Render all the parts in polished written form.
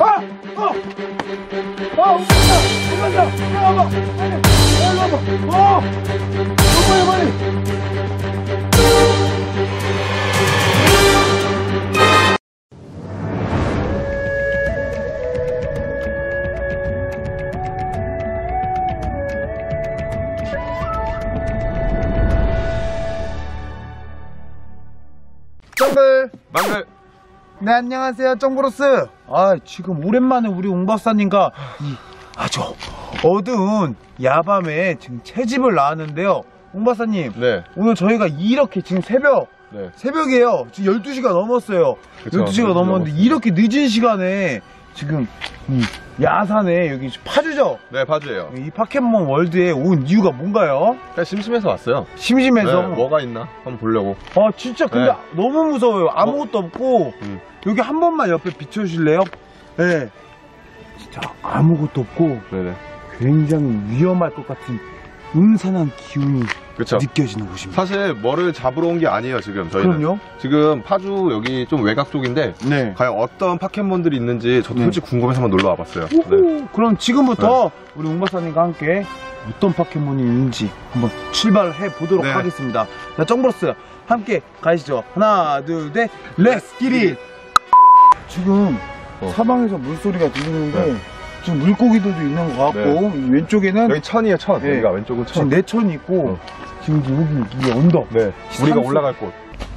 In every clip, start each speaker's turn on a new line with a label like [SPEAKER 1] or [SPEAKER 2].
[SPEAKER 1] 망글.
[SPEAKER 2] 네, 안녕하세요, 정브로스. 지금 오랜만에 우리 웅 박사님과 이 아주 어두운 야밤에 지금 채집을 나왔는데요. 웅 박사님,
[SPEAKER 1] 네.
[SPEAKER 2] 오늘 저희가 이렇게 지금 새벽이에요. 지금 12시가 넘었어요.
[SPEAKER 1] 그쵸,
[SPEAKER 2] 12시가 넘었는데 이렇게 늦은 시간에 지금 이 야산에 여기 파주죠?
[SPEAKER 1] 네, 파주예요.
[SPEAKER 2] 이 파켓몬 월드에 온 이유가 뭔가요?
[SPEAKER 1] 그냥 심심해서 왔어요.
[SPEAKER 2] 심심해서?
[SPEAKER 1] 네, 뭐가 있나 한번 보려고.
[SPEAKER 2] 진짜 근데 너무 무서워요. 아무것도 없고 여기 한 번만 옆에 비춰주실래요? 네. 진짜 아무것도 없고
[SPEAKER 1] 네네.
[SPEAKER 2] 굉장히 위험할 것 같은 음산한 기운이
[SPEAKER 1] 그쵸.
[SPEAKER 2] 느껴지는 곳입니다.
[SPEAKER 1] 사실 뭐를 잡으러 온 게 아니에요, 지금 저희는.
[SPEAKER 2] 그럼요.
[SPEAKER 1] 지금 파주 여기 좀 외곽 쪽인데
[SPEAKER 2] 네.
[SPEAKER 1] 과연 어떤 파켓몬들이 있는지 저도 솔직히 궁금해서 한번 놀러 와봤어요.
[SPEAKER 2] 네. 그럼 지금부터 우리 웅 박사님과 함께 어떤 파켓몬이 있는지 한번 출발해 보도록 하겠습니다. 자, 정브로스 함께 가시죠. 하나, 둘, 셋, 렛츠 기릿! 지금 사방에서 물소리가 들리는데 지금 물고기들도 있는 것 같고 이 왼쪽에는
[SPEAKER 1] 여기 천이에요, 천.
[SPEAKER 2] 네.
[SPEAKER 1] 여기가 왼쪽은 천.
[SPEAKER 2] 지금 내천이 있고 지금 여기 이 언덕.
[SPEAKER 1] 네. 우리가 올라갈 곳.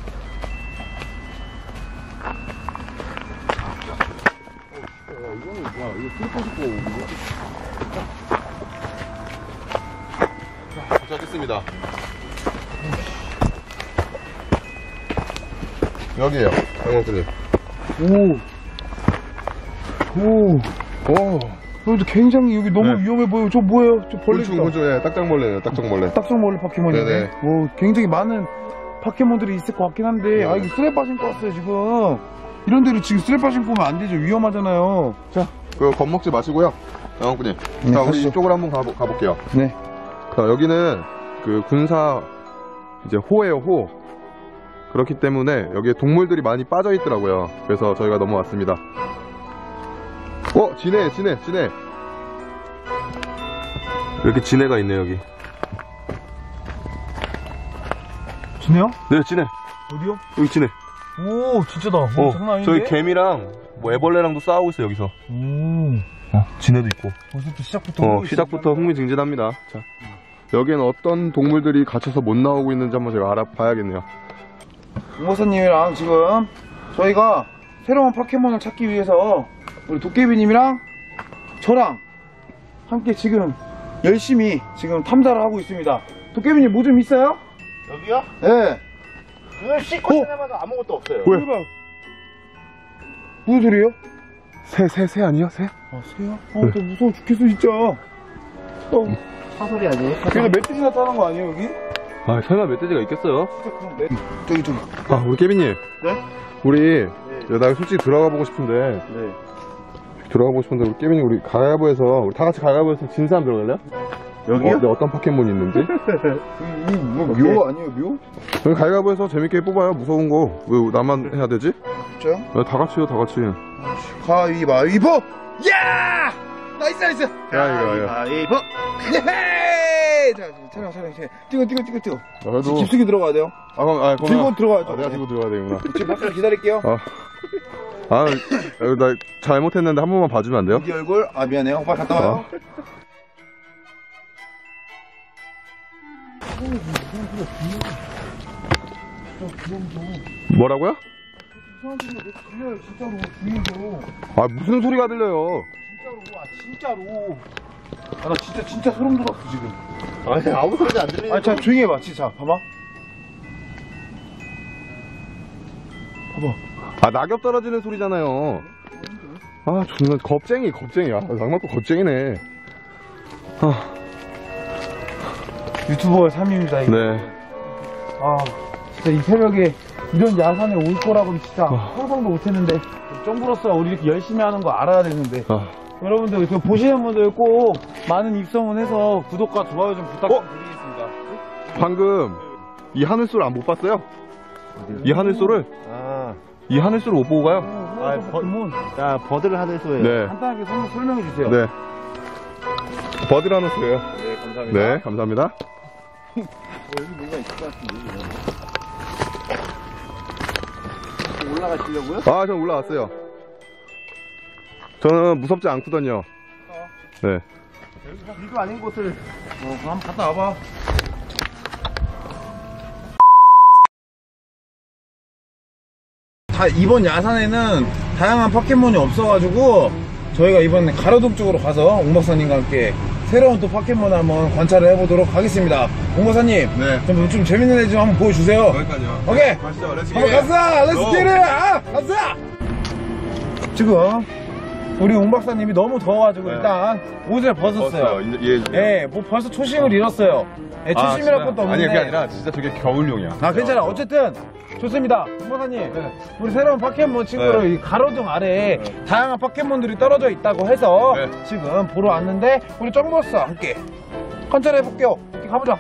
[SPEAKER 1] 도착했습니다. 여기에요, 장원수님.
[SPEAKER 2] 여기도 굉장히 여기 너무 위험해 보여요. 저 뭐예요? 저 벌레죠?
[SPEAKER 1] 곤충, 딱정벌레네요, 딱정벌레.
[SPEAKER 2] 딱정벌레 파켓몬이네.
[SPEAKER 1] 네네.
[SPEAKER 2] 굉장히 많은 파켓몬들이 있을 것 같긴 한데, 이거 쓰레빠 신고 왔어요, 지금. 이런 데로 지금 쓰레빠 신고 오면 안 되죠. 위험하잖아요.
[SPEAKER 1] 자, 겁먹지 마시고요. 장원구님. 자, 우리 이쪽으로 한번 가볼게요.
[SPEAKER 2] 네.
[SPEAKER 1] 자, 여기는 군사, 이제 호예요, 호. 그렇기 때문에 여기에 동물들이 많이 빠져 있더라고요. 그래서 저희가 넘어왔습니다. 진해. 이렇게 진해가 있네, 여기.
[SPEAKER 2] 진해요?
[SPEAKER 1] 네, 진해.
[SPEAKER 2] 어디요?
[SPEAKER 1] 여기 진해.
[SPEAKER 2] 진짜다. 장난 아닌데?
[SPEAKER 1] 저기 개미랑 애벌레랑도 싸우고 있어, 여기서. 진해도 있고.
[SPEAKER 2] 벌써부터
[SPEAKER 1] 시작부터 흥미진진합니다. 자, 여기에는 어떤 동물들이 갇혀서 못 나오고 있는지 한번 제가 알아봐야겠네요.
[SPEAKER 2] 웅 박사님이랑 지금 저희가 새로운 파켓몬을 찾기 위해서 우리 도깨비님이랑 저랑 함께 지금 열심히 지금 탐사를 하고 있습니다. 도깨비님 뭐 좀 있어요?
[SPEAKER 3] 여기요?
[SPEAKER 2] 네.
[SPEAKER 3] 눈을 씻고 지나봐도 아무것도 없어요.
[SPEAKER 1] 왜?
[SPEAKER 2] 무슨 소리예요?
[SPEAKER 1] 새 아니야? 새?
[SPEAKER 2] 새야? 나 무서워 죽겠어 진짜.
[SPEAKER 3] 사소리 아니에요?
[SPEAKER 2] 그래서 멧돼지나 타는 거 아니에요 여기?
[SPEAKER 1] 설마 멧돼지가 있겠어요?
[SPEAKER 2] 진짜 그럼 저기
[SPEAKER 1] 우리 깨비님.
[SPEAKER 2] 네?
[SPEAKER 1] 우리 나 솔직히 들어가 보고 싶은데 우리 깨비님 우리 가위바위보해서 우리 다 같이 가위바위보해서 진 사람 들어갈래요?
[SPEAKER 2] 여기요?
[SPEAKER 1] 어떤 파켓몬이 있는지?
[SPEAKER 2] 묘 아니에요 묘?
[SPEAKER 1] 여기 가위바위보해서 재밌게 뽑아요. 무서운 거 왜 나만 해야 되지?
[SPEAKER 2] 진짜요?
[SPEAKER 1] 다 같이요, 다 같이.
[SPEAKER 2] 가위바위보! 야! 나이스!
[SPEAKER 3] 가위바위보!
[SPEAKER 2] 자, 촬영. 뛰어.
[SPEAKER 1] 그래도
[SPEAKER 2] 깊숙이 들어가야 돼요. 들고 들어가야죠.
[SPEAKER 1] 내가 들고 들어가야 되구나.
[SPEAKER 2] 지금 박수 기다릴게요.
[SPEAKER 1] 나 잘못했는데 한 번만 봐주면 안 돼요?
[SPEAKER 2] 네 얼굴, 미안해요. 오빠 갔다 와요.
[SPEAKER 1] 뭐라고요?
[SPEAKER 2] 이상한 소리가 들려요, 진짜로. 주위에서.
[SPEAKER 1] 무슨 소리가 들려요?
[SPEAKER 2] 진짜로. 나 진짜 소름 돋았어, 지금.
[SPEAKER 3] 아니, 아무 소리도 안 들리는.
[SPEAKER 2] 자, 조용히 해봐, 진짜. 봐봐.
[SPEAKER 1] 낙엽 떨어지는 소리잖아요. 정말 겁쟁이야. 낭만도 겁쟁이네.
[SPEAKER 2] 유튜버의 삶입니다, 이거.
[SPEAKER 1] 네.
[SPEAKER 2] 진짜 이 새벽에 이런 야산에 올 거라고는 진짜 상상도 못했는데. 정브로스가 우리 이렇게 열심히 하는 거 알아야 되는데. 여러분들 보시는 분들 꼭 많은 입소문 해서 구독과 좋아요 좀 부탁드리겠습니다.
[SPEAKER 1] 방금 이 하늘소를 못 봤어요? 이 하늘소를 못 보고 가요?
[SPEAKER 3] 야, 버드를 하는 소예요.
[SPEAKER 1] 네.
[SPEAKER 2] 간단하게 설명해 주세요.
[SPEAKER 1] 네. 버드라노스예요.
[SPEAKER 2] 네, 감사합니다.
[SPEAKER 1] 네, 감사합니다.
[SPEAKER 3] 여기 뭔가 있을 것 같은데. 올라가시려고요?
[SPEAKER 1] 아, 전 올라왔어요. 저는 무섭지 않거든요. 네.
[SPEAKER 2] 비도 아닌 곳을 한번 갔다 와봐. 이번 야산에는 다양한 포켓몬이 없어가지고 저희가 이번에 가로등 쪽으로 가서 옹 박사님과 함께 새로운 또 포켓몬을 한번 관찰을 해보도록 하겠습니다. 옹 박사님,
[SPEAKER 1] 네.
[SPEAKER 2] 좀 재밌는 애 좀 한번 보여주세요.
[SPEAKER 1] 여기까지요.
[SPEAKER 2] 오케이.
[SPEAKER 1] 가시죠. 렛츠
[SPEAKER 2] 한번 가자. 렛츠 기릿. 가자. 지금 우리 옹 박사님이 너무 더워가지고
[SPEAKER 1] 네.
[SPEAKER 2] 일단 옷을 벗었어요. 예, 뭐 벌써 초심을 잃었어요. 예, 초심이랄 것도 없는데.
[SPEAKER 1] 아니, 그게 아니라 진짜 저게 겨울용이야.
[SPEAKER 2] 아, 괜찮아. 어쨌든 좋습니다. 홍박사님, 우리 새로운 포켓몬 친구를 이 가로등 아래에 다양한 포켓몬들이 떨어져 있다고 해서 지금 보러 왔는데 우리 정보스와 함께 관찰해 볼게요. 가보자.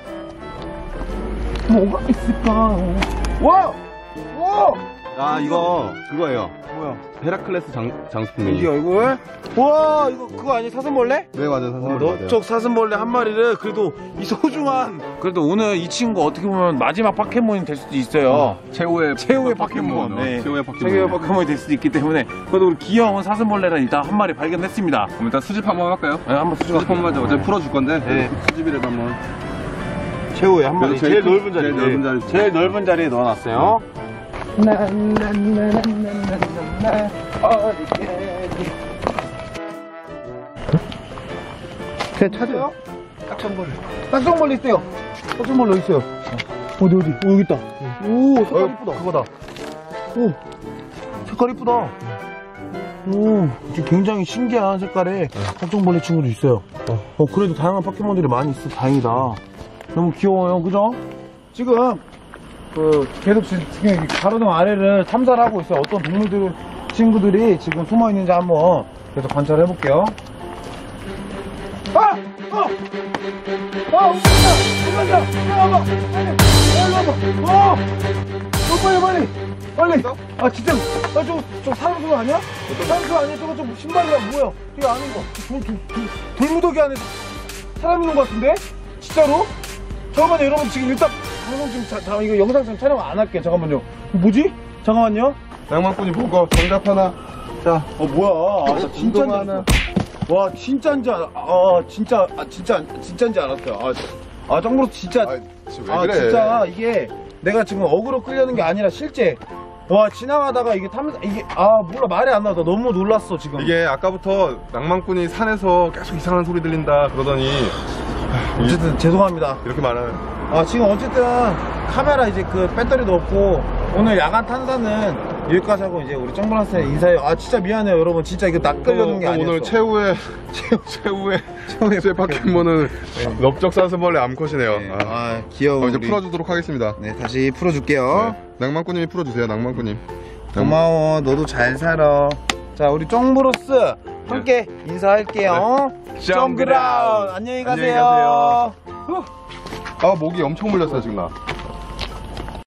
[SPEAKER 2] 뭐가 있을까? 와! 와!
[SPEAKER 1] 아, 이거 그거예요.
[SPEAKER 2] 뭐야?
[SPEAKER 1] 헤라클레스 장수풍뎅이.
[SPEAKER 2] 이게 얼굴? 와, 이거 그거 아니 사슴벌레?
[SPEAKER 1] 네, 맞아요. 사슴벌레 맞아요.
[SPEAKER 2] 넓적 사슴벌레 한 마리를 그래도 이 소중한 그래도 오늘 이 친구 어떻게 보면 마지막 포켓몬이 될 수도 있어요.
[SPEAKER 1] 최후의
[SPEAKER 2] 포켓몬. 네.
[SPEAKER 1] 최후의 포켓몬.
[SPEAKER 2] 최고의 포켓몬이 될 수도 있기 때문에 그래도 우리 귀여운 사슴벌레를 일단 한 마리 발견했습니다.
[SPEAKER 1] 그럼 일단 수집 한번 할까요?
[SPEAKER 2] 네, 한번
[SPEAKER 1] 수집 한번 하자. 어차피 풀어줄 건데.
[SPEAKER 2] 네.
[SPEAKER 1] 수집이라도 한번.
[SPEAKER 2] 최후의 한 마리.
[SPEAKER 1] 제일
[SPEAKER 2] 넓은 자리.
[SPEAKER 1] 제일 넓은 자리.
[SPEAKER 2] 제일 넓은 자리에 넣어놨어요. 그냥 찾아요? 딱정벌레 있대요. 딱정벌레 어디 있어요? 어디? 오, 여기 있다. 오, 색깔 이쁘다. 그거다. 오, 색깔 이쁘다. 오, 지금 굉장히 신기한 색깔의 딱정벌레 친구도 있어요. 그래도 다양한 포켓몬들이 많이 있어. 다행이다. 너무 귀여워요. 그죠? 지금 계속 지금 가로등 아래를 탐사를 하고 있어요. 어떤 동물들 친구들이 지금 숨어 있는지 한번 계속 관찰해 볼게요. 오간다! 와봐! 빨리 와봐! 빨리! 아, 진짜, 저거 사람수 아니야? 사람수 아니야? 저거 좀 신발이야, 뭐야? 이거 아닌 거. 돌무더기 안에 사람 있는 거 같은데? 진짜로? 잠깐만요, 여러분. 지금 일단 방송 지금 이거 영상 지금 촬영 안 할게요. 잠깐만요. 뭐지? 잠깐만요.
[SPEAKER 1] 낭만꾼이 보고 정답 하나. 자,
[SPEAKER 2] 뭐야? 아, 진짜인지
[SPEAKER 1] 하나.
[SPEAKER 2] 와, 진짜인지 진짜인지 알았어요. 정말 진짜.
[SPEAKER 1] 왜 그래?
[SPEAKER 2] 진짜 이게 내가 지금 어그로 끌려는 게 아니라 실제. 와, 지나가다가 이게 몰라, 말이 안 나와. 나 너무 놀랐어, 지금.
[SPEAKER 1] 이게 아까부터 낭만꾼이 산에서 계속 이상한 소리 들린다 그러더니
[SPEAKER 2] 어쨌든 죄송합니다.
[SPEAKER 1] 이렇게 말하는.
[SPEAKER 2] 지금 어쨌든 카메라 이제 그 배터리도 없고 오늘 야간 탐사는 여기까지 하고 이제 우리 정브라스에 인사해요. 진짜 미안해요, 여러분. 진짜 이거 낚으려는 게 아니었어.
[SPEAKER 1] 오늘 최후의 포켓몬은 넓적 사슴벌레 암컷이네요.
[SPEAKER 2] 네. 귀여워.
[SPEAKER 1] 이제 풀어주도록 하겠습니다.
[SPEAKER 2] 네, 다시 풀어줄게요.
[SPEAKER 1] 네. 낭만꾼님이 풀어주세요. 낭만꾼님.
[SPEAKER 2] 고마워. 너도 잘 살아. 자, 우리 정브로스 함께 인사할게요. 정그라운 안녕히 가세요.
[SPEAKER 1] 목이 엄청 물렸어요 지금 나.